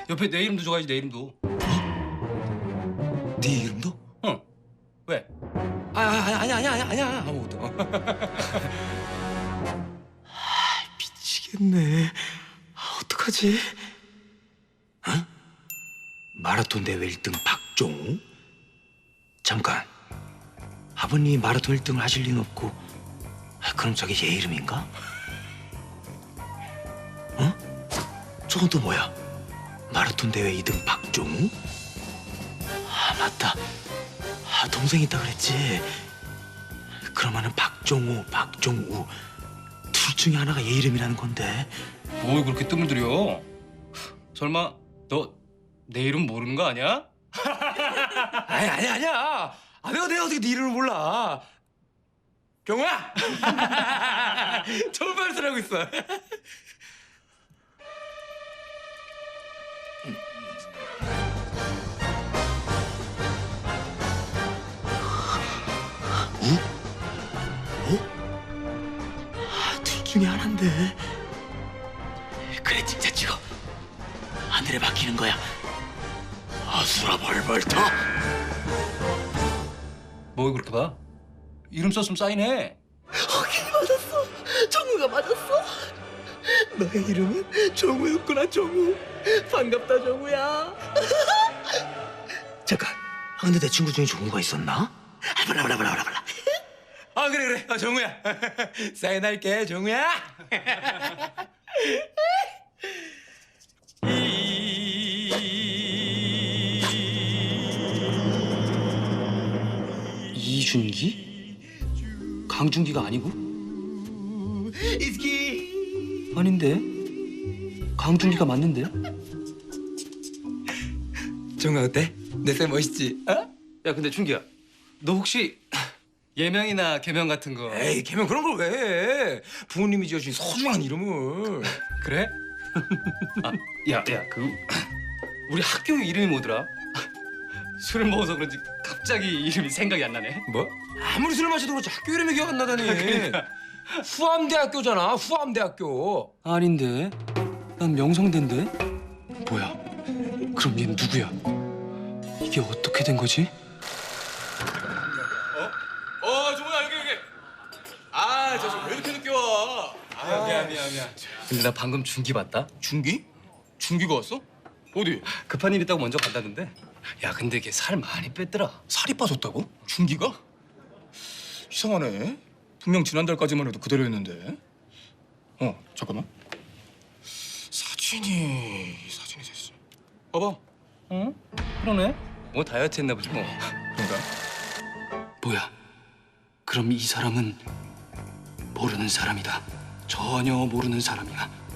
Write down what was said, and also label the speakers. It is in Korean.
Speaker 1: 옆에 내 이름도 적어야지, 내 이름도.
Speaker 2: 네 이름도?
Speaker 1: 응. 왜?
Speaker 2: 아니야 아무것도. 미치겠네. 어떡하지? 어? 마라톤 대회 1등 박종우? 잠깐. 아버님이 마라톤 1등을 하실 리는 없고. 그럼 저게 얘 이름인가? 어? 저건 또 뭐야? 마라톤 대회 2등 박종우? 아 맞다. 동생 있다 그랬지. 그러면은 박종우, 박종우 둘 중에 하나가 얘 이름이라는 건데.
Speaker 1: 뭘 그렇게 뜸을 들여? 설마 너 내 이름 모르는 거 아니야?
Speaker 2: 아니야. 내가 어떻게 네 이름을 몰라? 경우야. 좋은 말을 하고 있어. 둘 중에 하나인데. 그래 진짜 찍어. 하늘에 박히는 거야. 아수라 벌벌 터.
Speaker 1: 뭘 그렇게 봐? 이름 썼으면 사인해.
Speaker 2: 확인이 맞았어. 정우가 맞았어. 너의 이름은 정우였구나, 정우. 반갑다, 정우야. 잠깐. 근데 내 친구 중에 정우가 있었나? 몰라. 그래. 정우야. 사인할게, 정우야.
Speaker 1: 이준기? 강준기가 아니고?
Speaker 2: 이스키.
Speaker 1: 아닌데. 강준기가 맞는데?
Speaker 2: 정우야 어때? 내 쌤 멋있지? 어?
Speaker 1: 야, 근데 준기야, 너 혹시 예명이나 개명 같은 거?
Speaker 2: 에이, 걔면 그런 걸 왜 해? 부모님이 지어준 소중한 이름을.
Speaker 1: 그래? 야, 우리 학교 이름이 뭐더라? 술을 먹어서 그런지 갑자기 이름이 생각이 안 나네.
Speaker 2: 뭐? 아무리 술 마셔도 그렇지 학교 이름이 기억 안 나다니.
Speaker 1: 그러니까.
Speaker 2: 후암대학교잖아, 후암대학교.
Speaker 1: 아닌데. 난 명성대인데. 뭐야? 그럼 얘는 누구야? 이게 어떻게 된 거지?
Speaker 2: 정우야, 여기. 저 왜 이렇게 늦게 와?
Speaker 1: 미안. 근데 나 방금 준기 봤다?
Speaker 2: 준기? 준기가 왔어? 어디?
Speaker 1: 급한 일 있다고 먼저 간다던데. 야, 근데 걔 살 많이 뺐더라.
Speaker 3: 살이 빠졌다고? 준기가? 이상하네. 분명 지난달까지만 해도 그대로였는데. 잠깐만. 사진이 됐어. 봐봐.
Speaker 1: 응? 그러네. 뭐 다이어트 했나 보지 뭐.
Speaker 3: 그러니까.
Speaker 1: 뭐야? 그럼 이 사람은 모르는 사람이다. 전혀 모르는 사람이야.